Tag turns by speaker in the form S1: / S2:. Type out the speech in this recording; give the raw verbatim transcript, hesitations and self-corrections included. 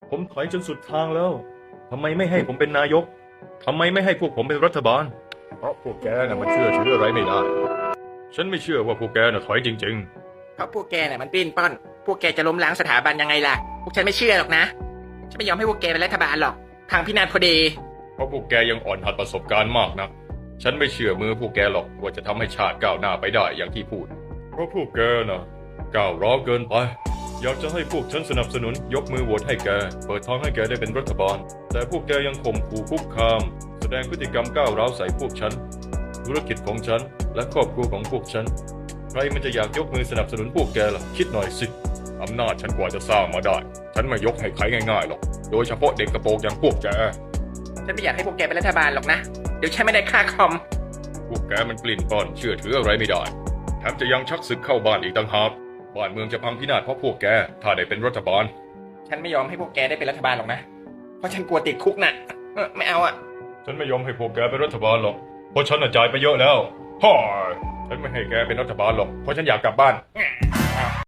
S1: ผมถอยจนสุดทางแล้วทำไมไม่ให้ผมเป็นนายกทำไมไม่ให้พวกผมเป็นรัฐบาลเพราะพวกแกน่ะมันเชื่อถืออะไรไม่ได้ ฉันไม่เชื่อว่าพวกแกน่ะถอยจริง
S2: เพราะพวกแกน่ะมันปิ้นป้อน พวกแกจะล้มล้างสถาบันยังไงล่ะ พวกฉันไม่เชื่อหรอกนะ ฉันไม่ยอมให้พวกแกเป็นรัฐบาลหรอก ทางพินาศพอดี
S1: ๆเพราะพวกแกยังอ่อนหัดประสบการณ์มากนะฉันไม่เชื่อมือพวกแกหรอกว่าจะทำให้ชาติก้าวหน้าไปได้อย่างที่พูด เพราะพวกแกน่ะก้าวร้าวเกินไป อยากจะให้พวกฉันสนับสนุนยกมือโหวตให้แกเปิดทางให้แกได้เป็นรัฐบาล แต่พวกแกยังข่มขู่คุกคาม แสดงพฤติกรรมก้าวร้าวใส่พวกฉัน ธุรกิจของฉันและครอบครัวของพวกฉัน ใครมันจะอยากยกมือสนับสนุนพวกแกล่ะคิดหน่อยสิอำนาจฉันกว่าจะสร้างมาได้ ฉันไม่ยกให้ใครง่ายๆหรอกโดยเฉพาะเด็กกระโปรงอย่างพวกแก
S2: ฉันไม่อยากให้พวกแกเป็นรัฐบาลหรอกนะ เดี๋ยวฉันไม่ได้ค่าคอม
S1: พวกแกมันปลิ้นป้อนเชื่อถืออะไรไม่ได้แถมจะยังชักศึกเข้าบ้านอีกต่างหากบ้านเมืองจะพังพินาศเพราะพวกแกถ้าได้เป็นรัฐบาล
S2: ฉันไม่ยอมให้พวกแกได้เป็นรัฐบาลหรอกนะ เพราะฉันกลัวติดคุกน่ะเออไม่เอาอะ
S1: ฉันไม่ยอมให้พวกแกเป็นรัฐบาลหรอกเพราะฉันน่ะจ่ายไปเยอะแล้วฮ่าฉันไม่ให้แกเป็นรัฐบาลหรอกเพราะฉันอยากกลับบ้าน
S2: อ้าว